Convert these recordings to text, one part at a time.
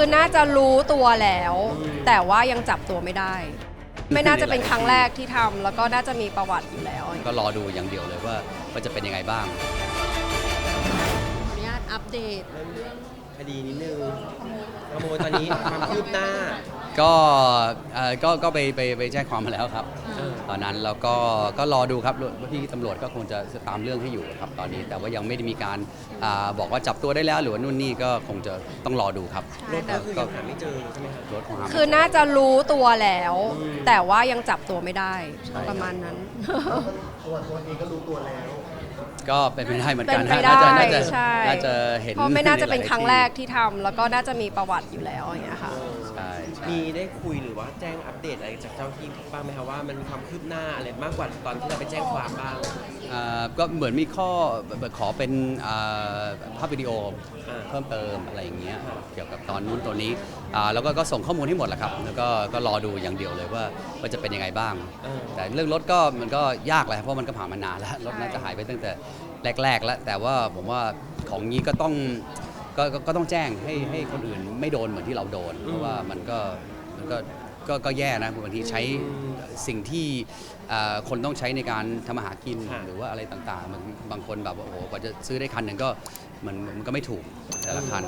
คือน่าจะรู้ตัวแล้ว แต่ว่ายังจับตัวไม่ได้ ไม่น่าจะเป็นครั้งแรกที่ทำแล้วก็น่าจะมีประวัติอยู่แล้วก็รอดูอย่างเดียวเลยว่าจะเป็นยังไงบ้างขออนุญาตอัปเดตเรื่องคดีนิดนึงขโมยตอนนี้ความคืบหน้าก็ไปแจ้งความมาแล้วครับตอนนั้นแล้วก็รอดูครับพี่ตำรวจก็คงจะตามเรื่องให้อยู่ครับตอนนี้แต่ว่ายังไม่ได้มีการบอกว่าจับตัวได้แล้วหรือว่านู่นนี่ก็คงจะต้องรอดูครับรถก็คือยังหาไม่เจอใช่ไหมครับรถของหาไม่เจคือน่าจะรู้ตัวแล้ว แต่ว่ายังจับตัวไม่ได้ใช่ประมาณนั้นตัวเองก็รู้ตัวแล้วก็เป็นไปได้เหมือนกันเป็นไปได้ ใช่น่าจะเห็นเพราะไม่น่าจะเป็นครั้งแรกใที่ทำแล้วก็น่าจะมีประวัติอยู่แล้วอย่างเงี้ยค่ะช่มีได้คุยหรือว่าแจ้งอัปเดตอะไรจากเจ้าที่บ้างไหมครับว่ามันมีความคืบหน้าอะไรมากกว่าตอนที่เราไปแจ้งความบ้างก็เหมือนมีข้อขอเป็นภาพวิดีโออ่าเพิ่มเติมอะไรอย่างเงี้ยเกี่ยวกับตอนนู้นตัวนี้แล้วก็ส่งข้อมูลให้หมดแหละครับแล้วก็รอดูอย่างเดียวเลยว่าจะเป็นยังไงบ้าง แต่เรื่องรถก็มันก็ยากแหละเพราะมันก็ผ่านมานานแล้วรถน่าจะหายไปตั้งแต่แรกๆแล้วแต่ว่าผมว่าของนี้ก็ต้องแจ้งให้คนอื่นไม่โดนเหมือนที่เราโดนเพราะว่ามันก็แย่นะบางทีใช้สิ่งที่คนต้องใช้ในการทำอาหารกินหรือว่าอะไรต่างๆบางคนแบบว่าโอ้โหกว่าจะซื้อได้คันหนึ่งก็มันก็ไม่ถูกแต่ละคัน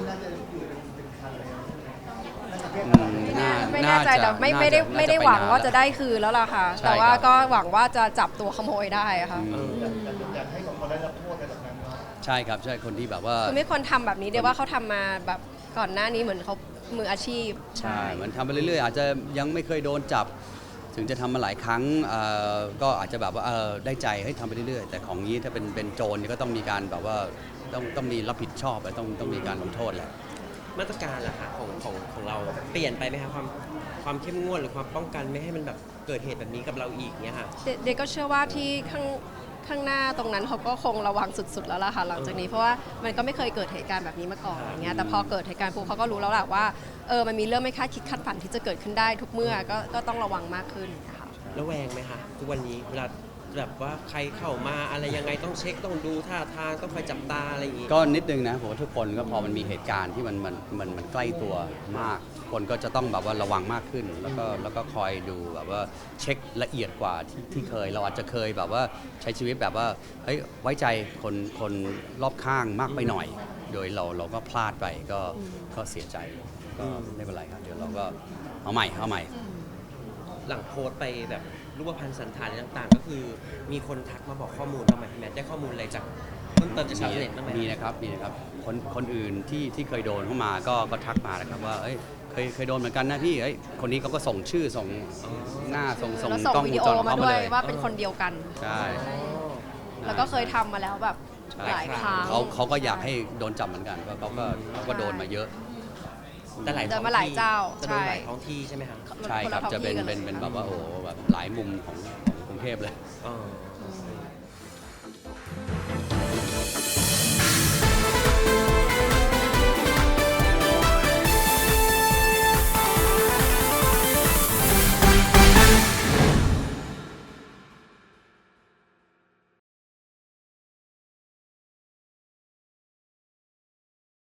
ไม่แน่ใจแต่ไม่ได้หวังว่าจะได้คืนแล้วล่ะค่ะใช่แต่ว่าครับก็หวังว่าจะจับตัวขโมยได้อะค่ะอยากให้เขาได้รับโทษในตรงนั้นว่าใช่ครับใช่คนที่แบบว่าคือไม่ควรทำแบบนี้เดี๋ยวว่าเขาทำมาแบบก่อนหน้านี้เหมือนเขามืออาชีพใช่มันทำไปเรื่อยๆอาจจะยังไม่เคยโดนจับ ถึงจะทำมาหลายครั้งก็อาจจะแบบว่าได้ใจให้ทำไปเรื่อยๆแต่ของนี้ถ้าเป็นโจรเนี่ยก็ต้องมีการแบบว่าต้องมีรับผิดชอบและต้องมีการลงโทษแหละมาตรการล่ะคะของเราเปลี่ยนไปไหมคะความเข้มงวดหรือความป้องกันไม่ให้มันแบบเกิดเหตุแบบนี้กับเราอีกเนี่ยค่ะเด็กก็เชื่อว่าที่ข้างหน้าตรงนั้นเขาก็คงระวังสุดๆแล้วล่ะค่ะหลังจากนี้เพราะว่ามันก็ไม่เคยเกิดเหตุการณ์แบบนี้มาก่อนอย่างเงี้ยแต่พอเกิดเหตุการณ์ปุ๊บเขาก็รู้แล้วแหละว่ามันมีเรื่องไม่คาดคิดคาดฝันที่จะเกิดขึ้นได้ทุกเมื่อก็ต้องระวังมากขึ้นค่ะระแวงไหมคะทุกวันนี้เวลาแบบว่าใครเข้ามาอะไรยังไงต้องเช็คต้องดูท่าทางต้องคอยจับตาอะไรอย่างงี้ก็นิดนึงนะผมว่าทุกคนก็พอมันมีเหตุการณ์ที่มันใกล้ตัวมาก คนก็จะต้องแบบว่าระวังมากขึ้นแล้วก็คอยดูแบบว่าเช็คละเอียดกว่าที่เคยเราอาจจะเคยแบบว่าใช้ชีวิตแบบว่าเฮ้ยไว้ใจคนรอบข้างมากไปหน่อย โดยเราก็พลาดไปก็เสียใจก็ไม่เป็นไรครับเดี๋ยวเราก็เอาใหม่หลังโพสต์ไปแบบรูปพรรณสันฐานอะไรต่างๆ ก็คือมีคนทักมาบอกข้อมูลบ้างไหมพี่แมทได้ข้อมูลอะไรจากเพิ่มเติมจากชาวเน็ตบ้างไหมมีนะครับคนอื่นที่เคยโดนเข้ามาก็ทักมานะครับว่าเอ้ยเคยโดนเหมือนกันนะพี่เอ้ยคนนี้เขาก็ส่งชื่อส่งหน้าส่งแล้วส่งกล้องวิวงดีโอจรของมาเขาด้มาวยเลยว่าเป็นคนเดียวกันใช่แล้วก็เคยทำมาแล้วแบบหลายครั้งเขาก็อยากให้โดนจับเหมือนกันเพราะเขาก็โดนมาเยอะแต่หลายเดิท้อน งมาหลายที่เจ้าจะโดนใช่หลายท้องที่ใช่ไหมคะใช่ครับคนละท้องจะเป็นที่กัเป็นแบบว่าโอ้โหแบบหลายมุมของกรุงเทพเลยอ๋อ